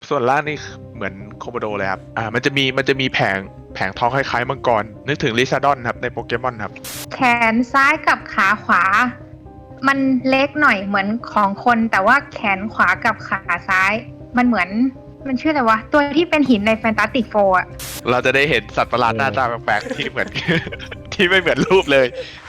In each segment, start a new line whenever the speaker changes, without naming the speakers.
ส่วนล่างนี่เหมือนโคโมโดเลยครับมันจะมีแผงท้องคล้ายๆมังกรนึกถึงลิซาดอนครับในโปเกมอนครับ
แขนซ้ายกับขาขวา มันเล็กหน่อยเหมือนของคนแต่ว่าแขนขวากับขาซ้าย มันเหมือนมันชื่ออะไรวะตัวที่เป็นหินในแฟนตาติกโฟร์อะ
เราจะได้เห็นสัตว์ประหลาดหน้าตาแปลกๆที่เหมือน ที่ไม่เหมือนรูปเลย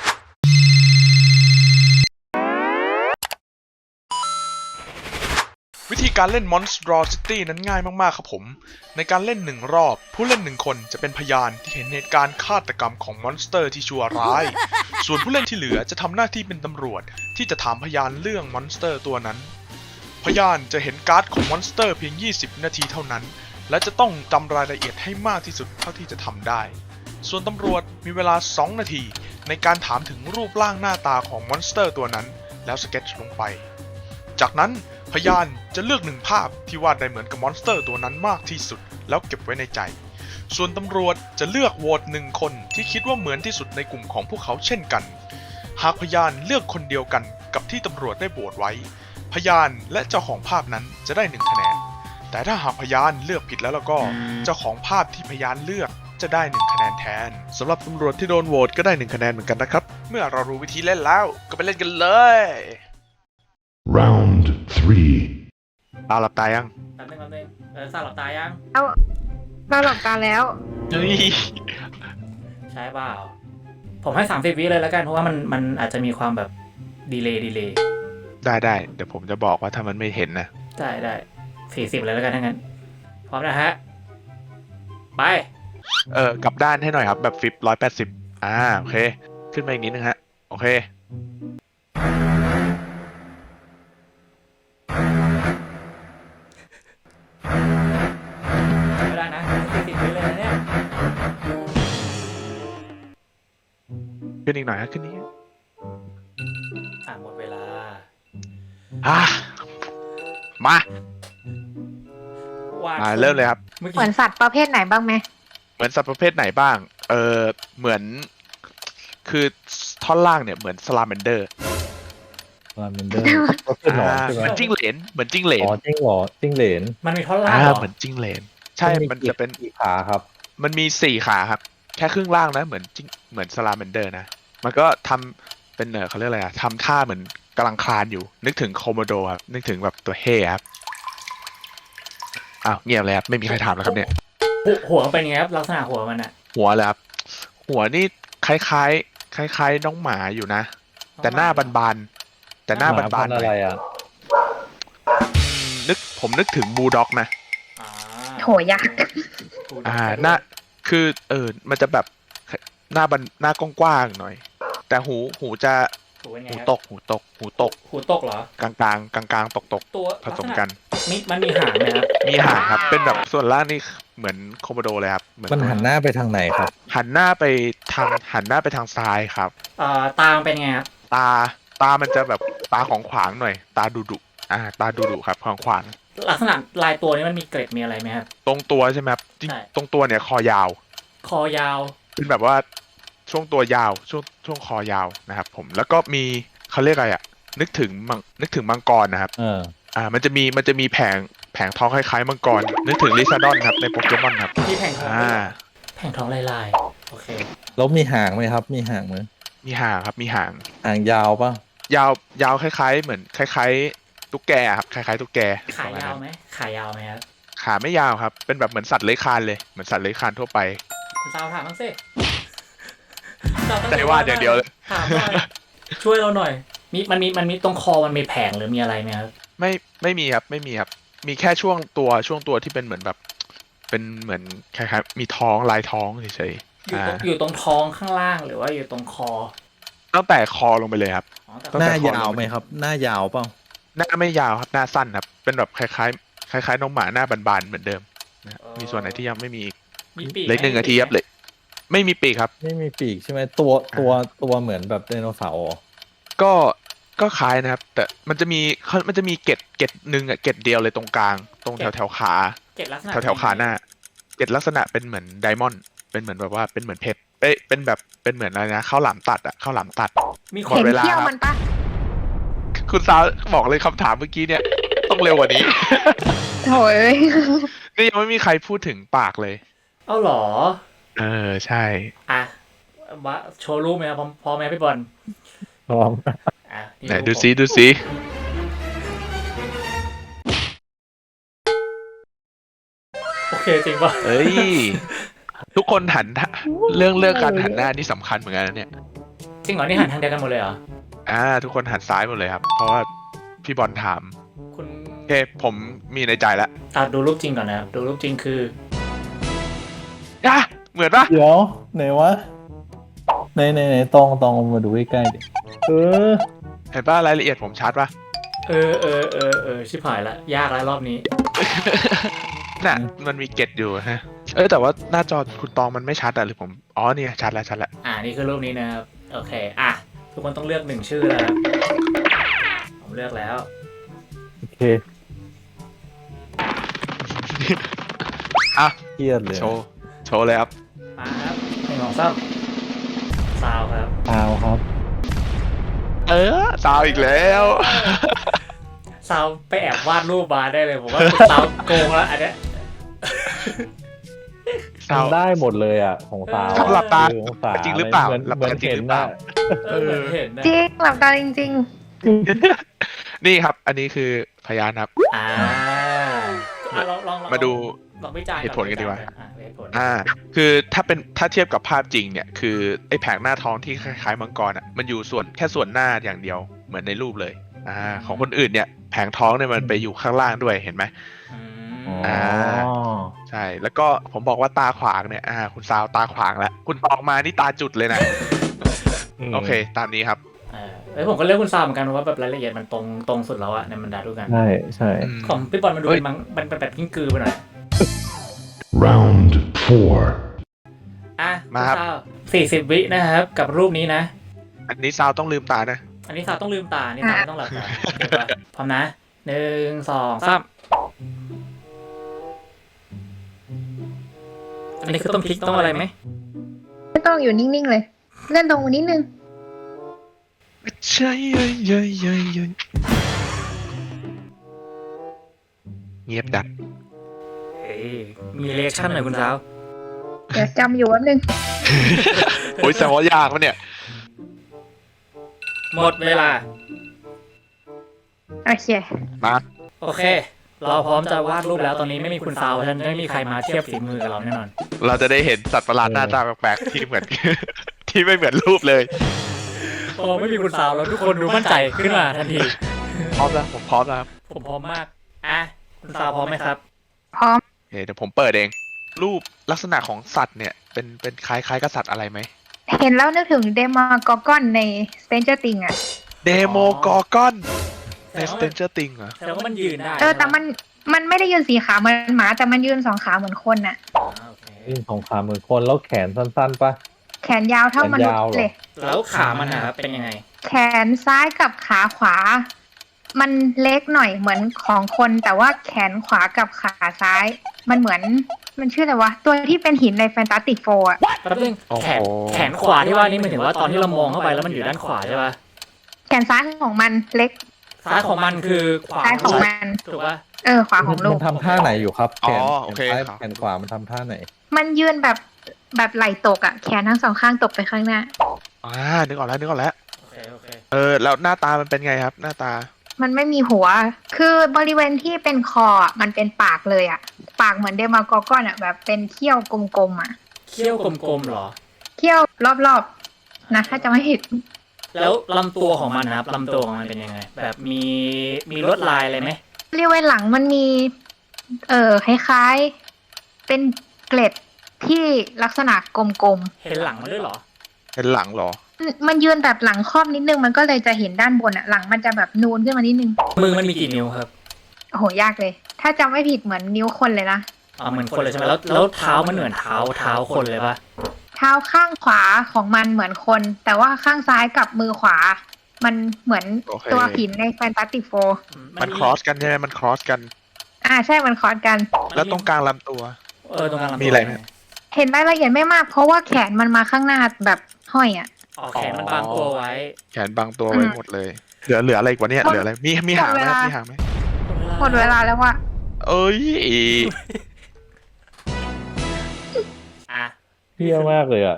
วิธีการเล่น Monstrosity นั้นง่ายมากๆครับผม ในการเล่น1รอบผู้เล่น1คนจะเป็นพยานที่เห็นเหตุการณ์ฆาตกรรมของมอนสเตอร์ที่ชั่วร้าย ส่วนผู้เล่นที่เหลือจะทำหน้าที่เป็นตำรวจที่จะถามพยานเรื่องมอนสเตอร์ตัวนั้น พยานจะเห็นการ์ดของมอนสเตอร์เพียง20นาทีเท่านั้นและจะต้องจำรายละเอียดให้มากที่สุดเท่าที่จะทำได้ส่วนตำรวจมีเวลา2นาทีในการถามถึงรูปร่างหน้าตาของมอนสเตอร์ตัวนั้นแล้วสเก็ตช์ลงไปจากนั้นพยานจะเลือก1ภาพที่วาดได้เหมือนกับมอนสเตอร์ตัวนั้นมากที่สุดแล้วเก็บไว้ในใจส่วนตำรวจจะเลือกโหวต1คนที่คิดว่าเหมือนที่สุดในกลุ่มของพวกเขาเช่นกันหากพยานเลือกคนเดียวกันกับที่ตำรวจได้โหวตไว้พยานและเจ้าของภาพนั้นจะได้1คะแนนแต่ถ้าหากพยานเลือกผิดแล้วก็เจ้าของภาพที่พยานเลือกจะได้1คะแนนแทนสำหรับตำรวจที่โดนโหวตก็ได้1คะแนนเหมือนกันนะครับเมื่อเรารู้วิธีเล่นแล้วก็ไปเล่นกันเลย
Round 3.
ตาหลับตายัง
แป๊บนึงสลับตายัง
เอาเราหลับตาแล้ว
เฮ้ย
ใช่เปล่าผมให้30วิเลยแล้วกันเพราะว่ามันอาจจะมีความแบบดีเลย์
ได้เดี๋ยวผมจะบอกว่าถ้ามันไม่เห็นนะ
ได้40เลยแล้วกันทั้งนั้นพร้อมนะฮะไป
กลับด้านให้หน่อยครับแบบฟลิป180โอเคขึ้นมาอีกนิดนึงฮะโอเค
ไม่ได้นะ40วิเลยนะเนี่ย
ขึ้นอีกหน่อยฮะขึ้นนี้
หมดเวลา
มา
ว่า
เริ่มเลยครับ
เมื่อ
เหมื
กี้
อนสัตว์ประเภทไหนบ้างไหม
เหมือนสัตว์ประเภทไหนบ้างเหมือนคือท่อนล่างเนี่ยเหมือนสลาแมนเดอร์
ลาเมนเดอร์ก็คือหนอนใช่ไหม
เหมือนจิ้งเหลนเหมือนจิ้งเหลน
อ๋อจิ้งเหรอจิ้งเหลน
มันมีท่อนล่างเหรอ
เหมือนจิ้งเหลนใช่มันจะเป็น
กี่ขาครับ
มันมี4ขาครับแค่ครึ่งล่างนะเหมือนสลาแมนเดอร์นะมันก็ทำเป็นเขาเรียกอะไรทำท่าเหมือนกำลังคลานอยู่นึกถึงโคโมโดครับนึกถึงแบบตัวเฮ่ครับเงียบเลยครับไม่มีใครถามแล้วครับเนี่ย
หัวมันเป็นไงครับลักษณะหัวมันอะ
หัวเลยครับหัวนี่คล้ายๆน้องหมาอยู่นะแต่หน้าบานๆแต่หน้าบานๆหน่
อะไร
อย
อ่ะ
ผมนึกถึงบูลด็อกนะ
อ่า
โถยาก
หน้าคือมันจะแบบหน้ากว้างๆหน่อย แต่หูจะ
หูเป็นไง
หู
ครับ
ตก
หูตกเหรอก
ลางตก
ตัว
ผสมกัน
มันมีหางไหมครับ
มีหางครับเป็นแบบส่วนล่างนี่เหมือนโคโมโดเลยครับเหมือน
มันหันหน้าไปทางไหนครับ
หันหน้าไปทางซ้ายครับ
ตามนเป็นไงครับ
ตามันจะแบบตาของขวางหน่อย ตาดุตาดุครับของขวาง
ลักษณะลายตัวนี้มันมีเกร็ดมีอะไรไหมครับ
ตรงตัวใช่ไหมครับจริง
ใช่
ตรงตัวเนี่ยคอยาว
คอยาว
เป็นแบบว่าช่วงตัวยาวช่วงคอยาวนะครับผมแล้วก็มีเขาเรียกอะไรนึกถึงมังกรนะครับมันจะมีแผงท้องคล้ายๆมังกรนึกถึงลิซาดอนครับในโปเกมอนครับ
ที่แผงท้อง แผงท้องลายโอเค
แล้วมีหางไหมครับ มีหางไหม
มีหางครับมีหาง
หางยาวป่ะ
ยาวคล้ายๆเหมือนคล้ายๆตุ๊กแกครับคล้ายๆตุ๊กแก
ขายาวไหมครับ
ขาไม่ยาวครับเป็นแบบเหมือนสัตว์เลื้อยคลานเลยเหมือนสัตว์เลื้อยคลานทั่วไป
คุณสาวถามบ้างสิ
ใจวาดอย่างเดียวเลย
ถามหน่อยช่วยเราหน่อยมันมีตรงคอมันมีแผงหรือมีอะไรไหมครับ
ไม่มีครับมีแค่ช่วงตัวที่เป็นเหมือนแบบเป็นเหมือนคล้ายๆมีท้องลายท้องเฉยๆ
อยู่ตรงท้องข้างล่างหรือว่าอยู่ตรงคอ
ตั้งแต่คอลงไปเลยครับ
แต่
หน้ายาวไหมครับ หน้ายาวเปล่า
หน้าไม่ยาวครับหน้าสั้นครับเป็นแบบคล้ายน้องหมาหน้าบานๆเหมือนเดิมนะมีส่วนไหนที่ยังไม่มีอีก
มีปีก
เหล็ก1 นาทีครับเลยไม่มีปีกครับ
ไม่มีปีกใช่ไหมตัวเหมือนแบบไดโนเสาร์เหรอ
ก็คล้ายนะครับ แต่มันจะมีเกล็ดหนึ่งเกล็ดเดียวเลยตรงกลางตรงแถวขา
เกล็ดลักษณะ
แถวขาหน้าเกล็ดลักษณะเป็นเหมือนไดมอนด์เป็นเหมือนแบบว่าเป็นเหมือนเพชรเป็นเหมือนอะไรนะข้าวหลามตัดข้าวหลามตัด
มี
หม
ค
ด
น
เวลา
เที่ยวมันปะ
คุณซาวบอกเลยคำถามเมื่อกี้เนี่ยต้องเร็วกว่านี้
โถย
นี่ยังไม่มีใครพูดถึงปากเลย
เอาเหรอ
ใช่
อ่ะว่าโชว์รูปไหมครับพร้อมไหมพี่บอล
พร้อม
อ่ะนี่
ไหน
รูป
ดูซิ
ผม
ดูซิ
โอเคจริงป่ะ
เอ้ย ทุกคนหันเรื่องการหันหน้านี่สำคัญเหมือนกันนะเนี่ย
จริงเหรอนี่หันทางเดียวกันหมดเลยเหรอ
ทุกคนหันซ้ายหมดเลยครับ เพราะว่าพี่บอลถาม
คุณ
โอเคผมมีในใจแล้ว
ดูรูปจริงก่อนนะครับดูรูปจริงคือ
เหมือนปะ
เดี๋ยวไหนวะไหนตองมาดูใกล้ๆดิอ
เห็นปะรายละเอียดผมชัดปะ
ชิบหายละยากแล้วรอบนี้
น่ะมันมีเกตอยู่ฮะ แต่ว่าหน้าจอคุณตองมันไม่ชัดอะหรือผมอ๋อเนี่ยชัดแล้ว
นี่คือรูปนี้นะครับโอเคทุกคนต้องเลือกหนึ่งชื่อแล้วผมเลือกแล้ว
โอเค
อ่ะ
เครียดเลย
โชว์เลยครับ
มาครับ1 2 3ซาวครับ
เอาครับ
สาวอีกแล้ว
ซาวไปแอบวาดรูปมาได้เลยผมว่าซาวโกงแล้วอันเนี้ย
สาว
ทำได้หมดเลยอ่ะของสาว
ครับหลับตา
ของสาว
จริงหรือเปล่า
เหมือน
หลับ
เหมือ
ตาน จริง
เห็น
หรือเปล่า
นะ
เหมือนเห็นนะ
จริงหลับตาจริง
นี่ครับ อันนี้คือพยานครับ
ลอง
มาดู
ลองวิจารณ์
เหตุผลกันดีกว่า
เหตุผล
คือถ้าเทียบกับภาพจริงเนี่ย คือไอ้แผงหน้าท้องที่คล้ายๆมังกรอ่ะ มันอยู่แค่ส่วนหน้าอย่างเดียว เหมือนในรูปเลย ของคนอื่นเนี่ย แผงท้องเนี่ยมันไปอยู่ข้างล่างด้วย เห็นไหม
อ๋อ
ใช่ แล้วก็ผมบอกว่าตาขวางเนี่ย คุณซาวตาขวางแล้ว คุณตองมานี่ตาจุดเลยนะ โอเค ตามนี้ครับ
ผมก็เลือกคุณซาวเหมือนกันเพราะว่าแบบรายละเอียดมันตรงสุดแล้วอะในบรรดาทุกกัน
ใช่
ของพี่บอลมันดู
เฮ้ย
มันเป็นแบบกิ้งกือไปหน่อย
Round 4.
มาครับ
40 วินะครับกับรูปนี้นะ
อันนี้ซาวต้องลืมตานะ
อันนี้ซาวต้องลืมตา นี่ซาวไม่ต้องหลับตาโอเคป่ะพร้อมนะ1 2 3อันนี้คือต้องพลิกต้องอะไรไหม
ๆไม่ต้องอยู่นิ่งๆเลย เล่นตรงนิดนึง
ใช่เย้ยเงียบดัด
เฮ้ยมีเรีแอคชั่นหน่อยคุณสาว
เดี๋ยวจำอยู่แป๊บนึง
โอ้ยแซวายากปะเนี่ย
หมดเวลา
โอเค
มา
โอเค เราพร้อมจะวาดรูปแล้วตอนนี้ไม่มีคุณสาวฉะนันไม่มีใครมาเทียบฝีมือกับเราแน่นอน
เราจะได้เห็นสัตว์ประหลาดหน้าตาแปลกๆที่เหมือน ที่ไม่เหมือนรูปเลย
โอ้ไม่มีคุณสาวแล้วทุกคนดูมั่นใจขึ้นมาทันที
พร้อมแล้วผมพร้อมแล้วครับ
ผมพร้อมมากคุณสาวพร้อมไหมครับ
พร้อม
โอเคเดี๋ยวผมเปิดเอง รูปลักษณะของสัตว์เนี่ยเป็นคล้ายๆกับสัตว์อะไรไหม
เห็นแล้วนึกถึงเดมากอร์กอนใน Stranger Things อ่ะ
เดโมกอร์กอนใน Stranger Things เหรอ
แต่ว่ามันยืนได้
แต่มันไม่ได้ยืน4 ขาเหมือนหมา แต่มันยืน2 ขาเหมือนคนน่ะ
โอเค
ยื่นของขาเหมือนคนแล้วแขนสั้นๆปะ
แขนยาวเท่ามนุษย์เลย
แล้วขามันนะครับเป็นยังไง
แขนซ้ายกับขาขวา มันเล็กหน่อยเหมือนของคน แต่ว่าแขนขวากับขาซ้าย มันเหมือนมันชื่ออะไรวะ ตัวที่เป็นหินในแฟนตาติกโฟอ่ะ
แป๊บนึงแขนขวาที่ว่านี่หมายถึงว่าตอนที่เรามองเข้าไปแล้วมันอยู่ด้านขวาใช่ป่ะ
แขนซ้ายของมันเล็ก
ซ้ายของมันคือขวา
ซ้ายของมัน
ถูกป่ะ
ขวาของลู
มั
ก
นทำท่าไหนอยู่ครับแขน
โอเค
ซ้าย
ครับ
แขนขวามันทำท่าไหน
มันยืนแบบไหล่ตกอ่ะ แขนทั้ง2 ข้างตกไปข้างหน้า
นึกออกแล้ว
โอเค
แล้วหน้าตามันเป็นไงครับ หน้าตา
มันไม่มีหัว คือบริเวณที่เป็นคออ่ะมันเป็นปากเลยอ่ะ ปากเหมือนเดมากอร์กอนอ่ะ แบบเป็นเขี้ยวกลมๆอ่ะ
เขี้ยวกลมๆเหรอ
เขี้ยวรอบๆนะถ้าจะไม่ผิด
แล้วลำตัวของมันนะครับลำตัวของมันเป็นยังไง แบบมีลวดลายอะไรไหม
บริเวณหลังมันมีคล้ายๆเป็นเกล็ดที่ลักษณะกลม
เห็นหลังมันด้วยเหรอ
เป็นหลังเหรอ
ๆมันยืนแบบหลังครอบนิดนึงมันก็เลยจะเห็นด้านบนอ่ะ หลังมันจะแบบนูนขึ้นมานิดนึง
มือมันมีกี่นิ้วครับ
โอ้โหยากเลย ถ้าจำไม่ผิดเหมือนนิ้วคนเลยนะ
เหมือนคนเลยใช่ไหมแล้วเท้ามันเหมือนเท้าคนเลยป่ะ
เท้าข้างขวาของมันเหมือนคน แต่ว่าข้างซ้ายกับมือขวา มันเหมือน
โอเค
ตัวหินในแฟนตาติกโฟ
มันครอสกันใช่ไหมมันครอสกัน
ใช่มันคอร์สกัน
แล้วตรงกลางลำตัว
ตรงกลางลำตัว
มีอะไรไหม
เห็นรายละเอียดไม่มากเพราะว่าแขนมันมาข้างหน้าแบบห้อยอ่ะ
แขนมันบางตัวไว้
แขนบางตัวไว้หมดเลย เหลืออะไรอีกวะเนี่ย เหลืออะไร มีหางไหมครับมีหางไหม
หมดเวลาแล้วว่า
เอ้ย
อ่ะ
เที่ยมากเลยอ่ะ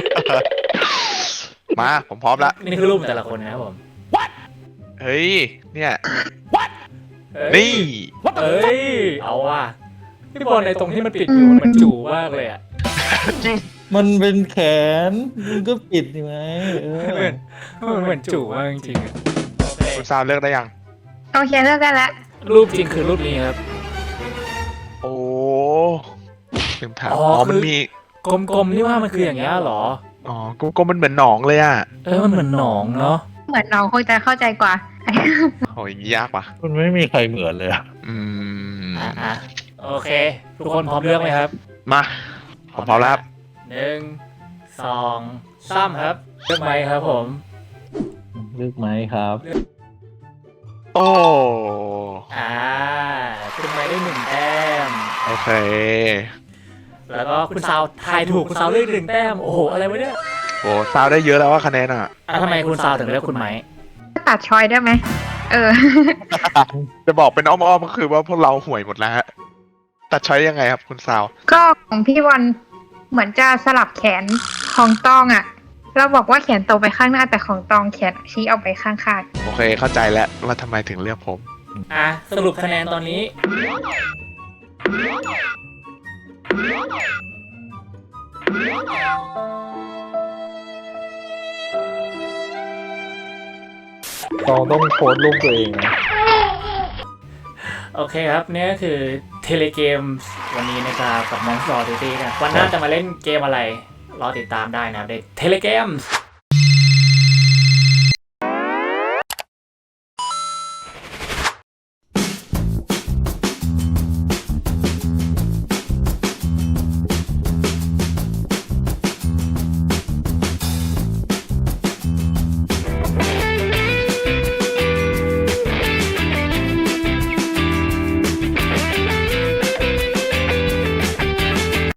มาผมพร้อมละ
นี่คือรูปแต่ละคนนะครับผม
เฮ้ย เนี่ย
เอ้ย
นี่
เอ้ย เอาว่ะพี่บอลในตรงที่มันปิดอยู่มันจู่มากเลยอ่ะ
จริง
มันเป็นแขนมึงก็ปิดใช่ไหมเออ
มันเหมือนจู่มากจริงๆอะโอเค
คุณซาวเลือกได้ยัง
โอเคเลิกได้แล้ว
รูปจริงคือรูปนี้ครับ
โอ้ลืมถาม
อ๋
อ๋
อ
อ มันมี
กลมๆนี่ว่ามันคืออย่างเงี้ยเหรอ
อ๋อกลมๆมันเหมือนหนองเลยอ่ะ
มันเหมือนหนองเนาะ
เหมือนน้องคงจะเข้าใจกว่า
โอ้ยอย่างนี้ยากว่ะ
มันไม่มีใครเหมือนเลยอ่ะ
อืม
อ่ะโอเค ทุกคนพร้อมเลือกไหมครับ
มาผมพร้อมแล้วครับ
1 2 3ครับเลือกไหมครับผม
เลือกไหมครับ
โอ้
คุณไม้ได้1 แต้ม
โอเค
แล้วก็คุณซาวทายถูกคุณซาวเลือก1 แต้ม โอ้โห อะไรวะเนี่ย
โอ้ซาวได้เยอะแล้วว่าคะแนนอ่ะ
ทำไมคุณซาวถึงเลือกคุณไม้
ตัดชอยได้ไหม
จะบอกเป็นอ้อมๆก็คือว่าพวกเราห่วยหมดแล้วฮะตัดช้อยยังไงครับคุณซาว
ก็ของพี่บอลเหมือนจะสลับแขนของตองอะเราบอกว่าแขนโตไปข้างหน้าแต่ของตองแขนชี้ออกไปข้าง
โอเคเข้าใจแล้วว่าทำไมถึงเลือกผม
สรุปคะแนนตอนนี้
ต้องโพสต์รูปตัวเองนะ
โอเคครับเนี่ยก็คือเทเลเกมวันนี้นะครับกับ Monster Duty นะวันหน้าจะมาเล่นเกมอะไร รอติดตามได้นะครับในเทเลเกมส์